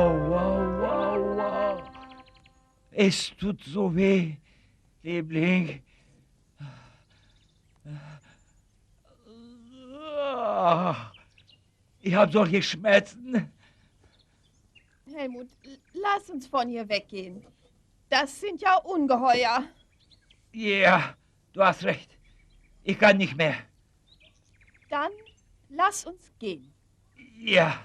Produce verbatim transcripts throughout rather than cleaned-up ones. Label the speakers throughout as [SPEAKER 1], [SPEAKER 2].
[SPEAKER 1] Wow, wow, wow, wow. Es tut so weh, Liebling. Ah, ich habe solche Schmerzen.
[SPEAKER 2] Helmut, lass uns von hier weggehen. Das sind ja Ungeheuer.
[SPEAKER 1] Ja, du hast recht. Ich kann nicht mehr.
[SPEAKER 2] Dann lass uns gehen.
[SPEAKER 1] Ja.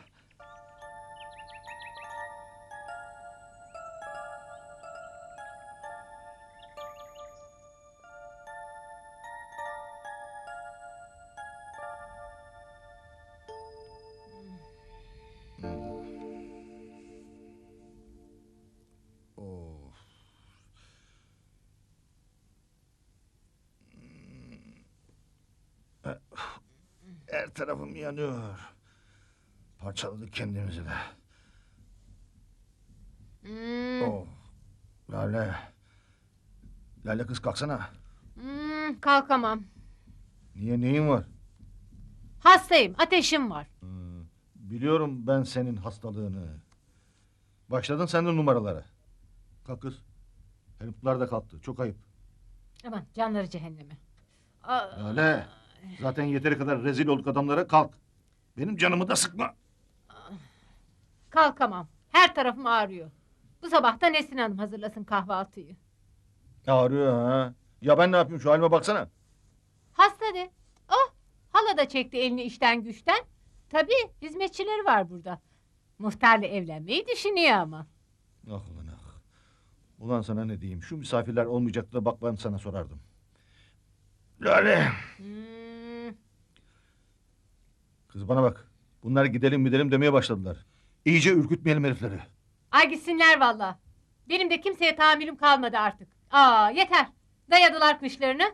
[SPEAKER 3] Of. Her tarafım yanıyor. Parçaladık kendimizi de.
[SPEAKER 4] Hmm,
[SPEAKER 3] Oh. Lale. Lale kız kalksana.
[SPEAKER 4] hmm, kalkamam.
[SPEAKER 3] Niye, neyin var?
[SPEAKER 4] Hastayım, ateşim var.
[SPEAKER 3] Hmm, biliyorum ben senin hastalığını. Başladın sen de numaralara. Kalk kız. Herifler de kalktı. Çok ayıp.
[SPEAKER 4] Aman canları cehenneme. Aa,
[SPEAKER 3] Lale. Zaten yeteri kadar rezil olduk adamlara, kalk. Benim canımı da sıkma.
[SPEAKER 4] kalkamam. Her tarafım ağrıyor. Bu sabah da Nesrin Hanım hazırlasın kahvaltıyı.
[SPEAKER 3] Ağrıyor ha. Ya ben ne yapayım, şu halime baksana.
[SPEAKER 4] Hasta de. Oh, hala da çekti elini işten güçten. Tabii hizmetçileri var burada. Muhtarla evlenmeyi düşünüyor ama.
[SPEAKER 3] Ah ulan ah. Ulan sana ne diyeyim, şu misafirler olmayacaktı da bak ben sana sorardım. Lale.
[SPEAKER 4] Hmm,
[SPEAKER 3] Kız bana bak. Bunlar gidelim gidelim demeye başladılar. İyice ürkütmeyelim herifleri.
[SPEAKER 4] ay gitsinler valla. Benim de kimseye tahammülüm kalmadı artık. Aa yeter. Dayadılar kışlarını.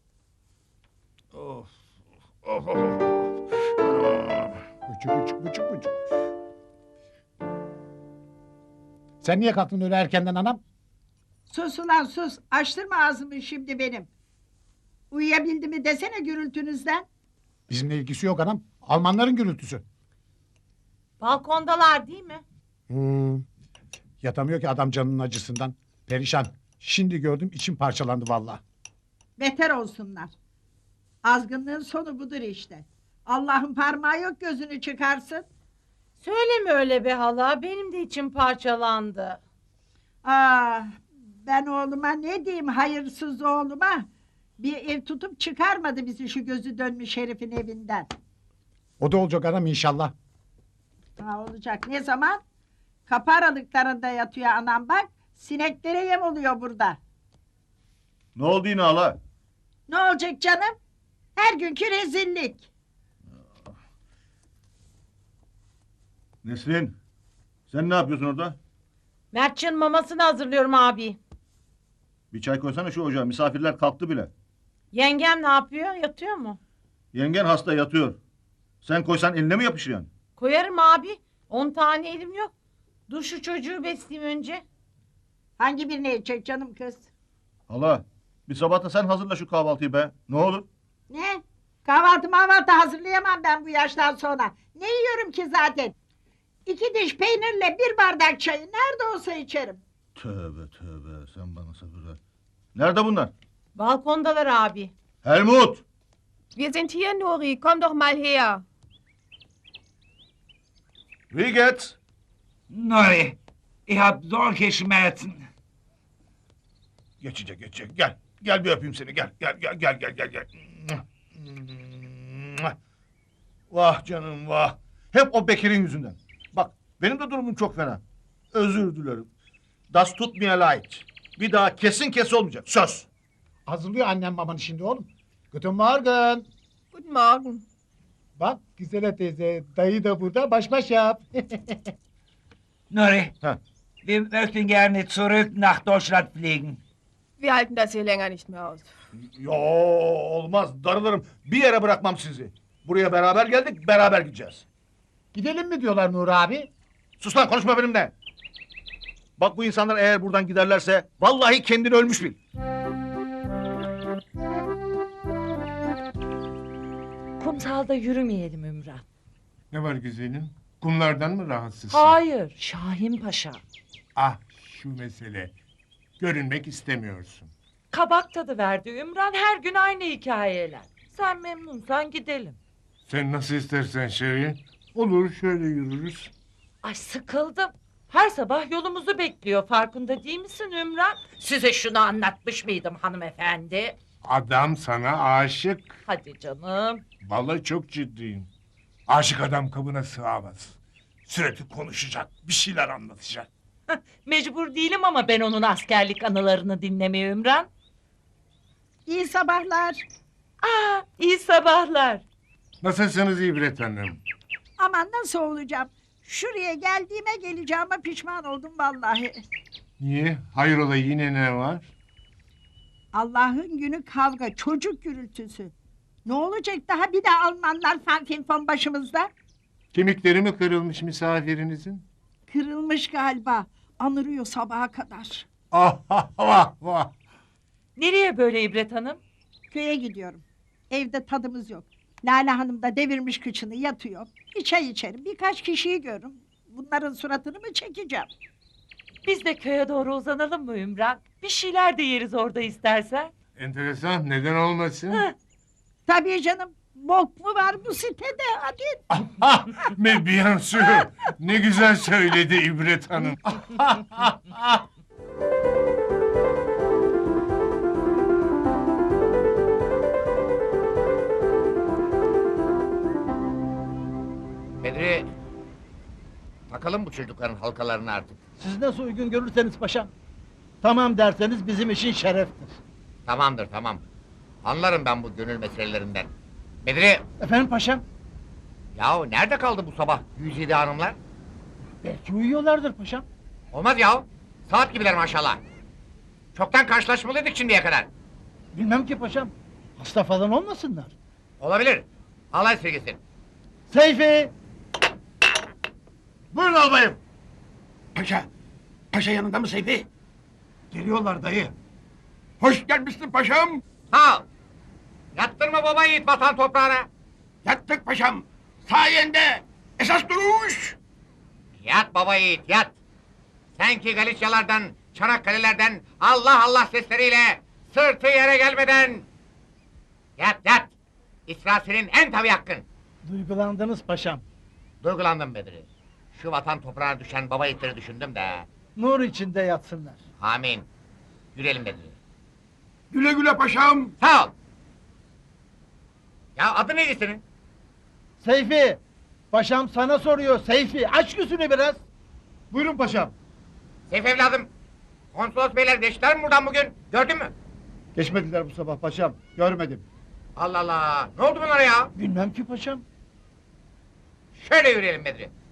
[SPEAKER 3] Of. Of of of.
[SPEAKER 5] Bıçık bıçık bıçık bıçık. Sen niye kalktın öyle erkenden anam?
[SPEAKER 6] Sus ulan sus. Açtırma ağzımı şimdi benim. Uyuyabildi mi desene gürültünüzden.
[SPEAKER 5] Bizimle ilgisi yok anam. Almanların gürültüsü.
[SPEAKER 4] Balkondalar değil mi?
[SPEAKER 5] Hmm. Yatamıyor ki adam canının acısından. Perişan. Şimdi gördüm içim parçalandı vallahi.
[SPEAKER 6] Beter olsunlar. Azgınlığın sonu budur işte. Allah'ın parmağı yok gözünü çıkarsın.
[SPEAKER 7] Söyleme öyle be hala. Benim de içim parçalandı.
[SPEAKER 6] Ah, ben oğluma ne diyeyim hayırsız oğluma. Bir ev tutup çıkarmadı bizi şu gözü dönmüş herifin evinden.
[SPEAKER 5] O da olacak anam inşallah.
[SPEAKER 6] Ha, olacak ne zaman? Kapı aralıklarında yatıyor anam bak. Sineklere yem oluyor burada.
[SPEAKER 3] Ne oldu yine hala?
[SPEAKER 6] Ne olacak canım? Her günkü rezillik.
[SPEAKER 3] Nesrin. Sen ne yapıyorsun orada?
[SPEAKER 7] Mertcan'ın mamasını hazırlıyorum abi.
[SPEAKER 3] Bir çay koysana şu ocağa. Misafirler kalktı bile.
[SPEAKER 7] Yengem ne yapıyor? Yatıyor mu?
[SPEAKER 3] Yengen hasta yatıyor. Sen koysan eline mi yapışır yani?
[SPEAKER 7] Koyarım abi. On tane elim yok. Dur şu çocuğu besleyeyim önce.
[SPEAKER 6] Hangi birine yiyecek canım kız?
[SPEAKER 3] Hala. Bir sabah da sen hazırla şu kahvaltıyı be. Ne olur?
[SPEAKER 6] Ne? Kahvaltı mahvaltı hazırlayamam ben bu yaştan sonra. Ne yiyorum ki zaten? İki diş peynirle bir bardak çayı nerede olsa içerim.
[SPEAKER 3] Tövbe tövbe. Sen bana sabır ver. Nerede bunlar?
[SPEAKER 7] Balkondalar abi.
[SPEAKER 3] Helmut.
[SPEAKER 2] Wir sind hier, Nuri. Komm doch mal her.
[SPEAKER 3] Wie geht's?
[SPEAKER 1] Nori, ich habe solche Schmerzen.
[SPEAKER 3] Geçecek geçecek. Gel. Gel bir öpeyim seni. Gel gel gel gel gel gel. gel. Vah canım vah. Hep o Bekir'in yüzünden. Bak benim de durumum çok fena. Özür dilerim. Das tut mir leid. Bir daha kesin kes olmayacak. Söz.
[SPEAKER 5] Hazırlıyor annem babanı şimdi oğlum. Guten Morgen.
[SPEAKER 2] Guten Morgen.
[SPEAKER 5] Bak güzel teyze dayı da burada baş baş yap.
[SPEAKER 1] Nori,
[SPEAKER 3] Ha.
[SPEAKER 1] wir möchten gerne zurück nach Deutschland fliegen.
[SPEAKER 2] Wir halten das hier länger nicht mehr aus.
[SPEAKER 3] Yo olmaz darılırım. Bir yere bırakmam sizi. Buraya beraber geldik beraber gideceğiz.
[SPEAKER 5] Gidelim mi diyorlar Nur abi?
[SPEAKER 3] Sus lan konuşma benimle. Bak bu insanlar eğer buradan giderlerse vallahi kendini ölmüş bil.
[SPEAKER 8] Kumsalda yürümeyelim Ümran.
[SPEAKER 9] Ne var güzelim?
[SPEAKER 8] Kumlardan mı rahatsızsın?
[SPEAKER 9] Hayır, Şahin Paşa.
[SPEAKER 8] Ah şu mesele. Görünmek istemiyorsun.
[SPEAKER 9] Kabak tadı verdi Ümran, her gün aynı hikayeler. Sen memnunsan gidelim.
[SPEAKER 8] Sen nasıl istersen Şirin. Olur şöyle yürürüz.
[SPEAKER 9] Ay sıkıldım. Her sabah yolumuzu bekliyor, farkında değil misin Ümran? Size şunu anlatmış mıydım hanımefendi?
[SPEAKER 8] Adam sana aşık.
[SPEAKER 9] Hadi canım.
[SPEAKER 8] Vallahi çok ciddiyim. Aşık adam kabına sığamaz. Sürekli konuşacak, bir şeyler anlatacak.
[SPEAKER 9] Mecbur değilim ama ben onun askerlik anılarını dinlemeye Ümran.
[SPEAKER 6] İyi sabahlar.
[SPEAKER 9] Aa, iyi sabahlar.
[SPEAKER 8] Nasılsınız İbret Hanım?
[SPEAKER 6] Aman nasıl olacağım? Şuraya geldiğime geleceğime pişman oldum vallahi.
[SPEAKER 8] Niye? Hayrola yine ne var?
[SPEAKER 6] Allah'ın günü kavga, çocuk gürültüsü. Ne olacak daha bir de Almanlar fanfinfon başımızda?
[SPEAKER 8] Kemikleri mi kırılmış misafirinizin?
[SPEAKER 6] Kırılmış galiba. Anırıyor sabaha kadar.
[SPEAKER 8] Ah ah vah vah.
[SPEAKER 9] Nereye böyle İbret Hanım?
[SPEAKER 6] Köye gidiyorum. Evde tadımız yok. Lale Hanım da devirmiş kıçını yatıyor. Bir çay içerim, birkaç kişiyi görürüm. Bunların suratını mı çekeceğim?
[SPEAKER 9] Biz de köye doğru uzanalım mı Ümran? Bir şeyler de yeriz orada istersen.
[SPEAKER 8] Enteresan, neden olmasın?
[SPEAKER 9] Heh.
[SPEAKER 6] Tabii canım. Bok mu var bu sitede? Hadi.
[SPEAKER 8] Ah, mais bien sûr. Ne güzel söyledi İbret Hanım.
[SPEAKER 10] Bedri, takalım bu çocukların halkalarını artık.
[SPEAKER 11] Siz nasıl uygun görürseniz paşam. Tamam derseniz bizim için şereftir.
[SPEAKER 10] Tamamdır, tamam. Anlarım ben bu gönül meselelerinden. Bedri,
[SPEAKER 11] Efendim paşam?
[SPEAKER 10] yahu nerede kaldı bu sabah yüz yedi hanımlar?
[SPEAKER 11] Belki uyuyorlardır paşam.
[SPEAKER 10] Olmaz yahu, saat gibiler maşallah. Çoktan karşılaşmalıydık şimdiye kadar.
[SPEAKER 11] Bilmem ki paşam. Hasta falan olmasınlar.
[SPEAKER 10] Olabilir. Allah esirgesin.
[SPEAKER 11] Seyfi!
[SPEAKER 3] Buyurun albayım.
[SPEAKER 5] Paşa, paşa yanında mı Seyfi?
[SPEAKER 3] Geliyorlar dayı.
[SPEAKER 5] Hoş gelmişsin paşam.
[SPEAKER 10] Sağ ol. Yattırma baba yiğit vatan toprağına.
[SPEAKER 5] Yattık paşam. Sayende. Esas duruş.
[SPEAKER 10] Yat baba yiğit, yat. Sen ki Galiçyalardan, Çanakkale'lerden Allah Allah sesleriyle sırtı yere gelmeden yat yat. İsra senin en tabi hakkın.
[SPEAKER 11] Duygulandınız paşam.
[SPEAKER 10] Duygulandım Bedri. Şu vatan toprağına düşen baba yiğitleri düşündüm de.
[SPEAKER 11] Nur içinde yatsınlar.
[SPEAKER 10] Amin. Yürüyelim Bedri.
[SPEAKER 5] Güle güle paşam.
[SPEAKER 10] Sağ ol. Ya adı neydi senin?
[SPEAKER 11] Seyfi! Paşam sana soruyor Seyfi. Aç gözünü biraz.
[SPEAKER 3] Buyurun paşam.
[SPEAKER 10] Seyf evladım. Konsolos beyler geçtiler mi buradan bugün? Gördün mü?
[SPEAKER 3] Geçmediler bu sabah paşam. Görmedim.
[SPEAKER 10] Allah Allah. Ne oldu bunlara ya?
[SPEAKER 11] Bilmem ki paşam.
[SPEAKER 10] Şöyle yürüyelim Bedri.